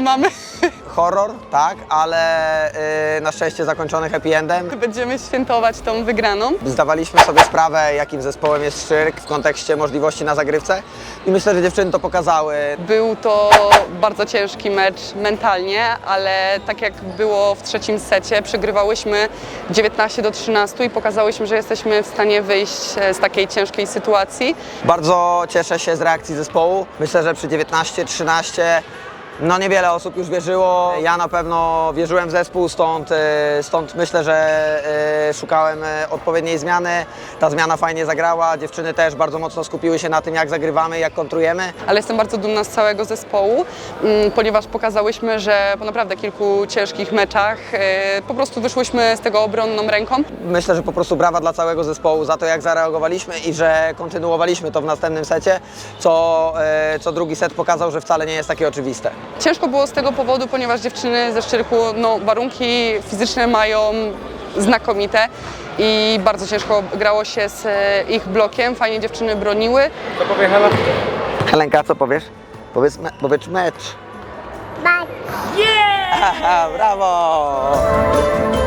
dzisiaj mamy. Horror, tak, ale na szczęście zakończony happy endem. Będziemy świętować tą wygraną. Zdawaliśmy sobie sprawę, jakim zespołem jest Szczyrk w kontekście możliwości na zagrywce i myślę, że dziewczyny to pokazały. Był to bardzo ciężki mecz mentalnie, ale tak jak było w trzecim secie, przegrywałyśmy 19-13 i pokazałyśmy, że jesteśmy w stanie wyjść z takiej ciężkiej sytuacji. Bardzo cieszę się z reakcji zespołu. Myślę, że przy 19-13 no niewiele osób już wierzyło. Ja na pewno wierzyłem w zespół, stąd myślę, że szukałem odpowiedniej zmiany. Ta zmiana fajnie zagrała. Dziewczyny też bardzo mocno skupiły się na tym, jak zagrywamy, jak kontrujemy. Ale jestem bardzo dumna z całego zespołu, ponieważ pokazałyśmy, że po naprawdę kilku ciężkich meczach po prostu wyszłyśmy z tego obronną ręką. Myślę, że po prostu brawa dla całego zespołu za to, jak zareagowaliśmy i że kontynuowaliśmy to w następnym secie, co drugi set pokazał, że wcale nie jest takie oczywiste. Ciężko było z tego powodu, ponieważ dziewczyny ze Szczyrku warunki fizyczne mają znakomite i bardzo ciężko grało się z ich blokiem. Fajnie dziewczyny broniły. Co powie Hela? Helenka, co powiesz? Powiedz mecz. Mecz. Yeah! Brawo!